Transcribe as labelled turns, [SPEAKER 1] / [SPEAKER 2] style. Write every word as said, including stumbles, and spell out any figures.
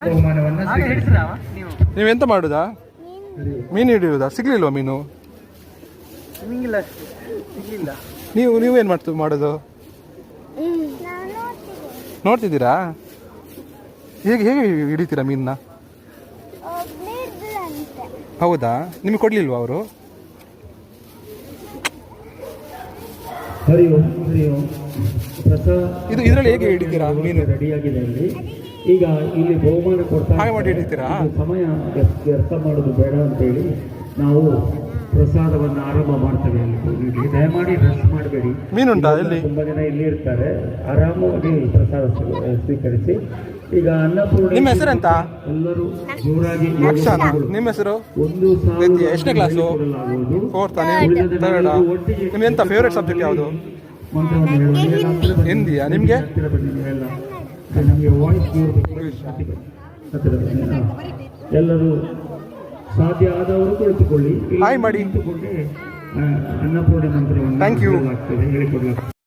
[SPEAKER 1] ನೀವೆಂತ ಮಾಡುದಾ? ಮೀನು ಹಿಡಿಯುವುದಾ? ಸಿಗ್ಲಿಲ್ವಾ ಮೀನು? ನೀವು ನೀವೇನು ಮಾಡ್ತು ಮಾಡೋದು? ನೋಡ್ತಿದ್ದೀರಾ? ಹೇಗೆ ಹೇಗೆ ಹಿಡಿತೀರಾ ಮೀನನ್ನ? ಹೌದಾ? ನಿಮಗೆ ಕೊಡ್ಲಿಲ್ವಾ ಅವರು?
[SPEAKER 2] ಹರಿ ಓಂ ಹರಿ ಓಂ.
[SPEAKER 1] ಇದು ಇದರಲ್ಲಿ ಹೇಗೆ ಹಿಡಿತೀರಾ ಮೀನು?
[SPEAKER 2] ರೆಡಿಯಾಗಿದೆ ಇಲ್ಲಿ. ಈಗ ಇಲ್ಲಿ ಬಹುಮಾನ ಕೊಡ್ತಾ
[SPEAKER 1] ಹಾಗೆ ಮಾಡಿ ಹಿಡಿತೀರಾ?
[SPEAKER 2] ಸಮಯ ವ್ಯರ್ಥ ಮಾಡೋದು ಬೇಡ ಅಂತೇಳಿ ನಾವು ಪ್ರಸಾದವನ್ನು ಆರಂಭ ಮಾಡ್ತೇವೆ. ಇಲ್ಲಿ ದಯಮಾಡಿ ರಶ್ ಮಾಡಬೇಡಿ.
[SPEAKER 1] ಮೀನುಂಟಾ ಇಲ್ಲಿ?
[SPEAKER 2] ತುಂಬಾ ಜನ ಇಲ್ಲಿ ಇರ್ತಾರೆ, ಆರಾಮವಾಗಿ ಪ್ರಸಾದ ಸ್ವೀಕರಿಸಿ. ಈಗ ಅನ್ನಪೂರ್ಣ.
[SPEAKER 1] ನಿಮ್ಮ ಹೆಸರೆಂತ?
[SPEAKER 2] ಎಲ್ಲರೂ ಜೋರಾಗಿ
[SPEAKER 1] ನಿಮ್ಮ ಹೆಸರು?
[SPEAKER 2] ಒಂದು
[SPEAKER 1] ಎಷ್ಟನೇ ಕ್ಲಾಸು? ಫೋರ್ತ್. ನಿಮ್ಗೆ ಎಂತ ಫೇವ್ರೇಟ್ ಸಬ್ಜೆಕ್ಟ್ ಯಾವುದು? ಹಿಂದಿಯಾ? ನಿಮಗೆ?
[SPEAKER 2] ನಮಗೆ ವಾಯ್ಸ್ ಎಲ್ಲರೂ ಸಾಧ್ಯ ಆದವರು ಕುಳಿತುಕೊಳ್ಳಿ.
[SPEAKER 1] ಹಾಯ್ ಮಾಡಿ.
[SPEAKER 2] ಅನ್ನಪೂರ್ಣೆ ಮಂತ್ರವನ್ನು
[SPEAKER 1] ಥ್ಯಾಂಕ್ ಯು.
[SPEAKER 2] ಹೇಳಿಕೊಡಲಾಗ್ತದೆ ಹೇಳಿಕೊಡಲಾಗ್ತದೆ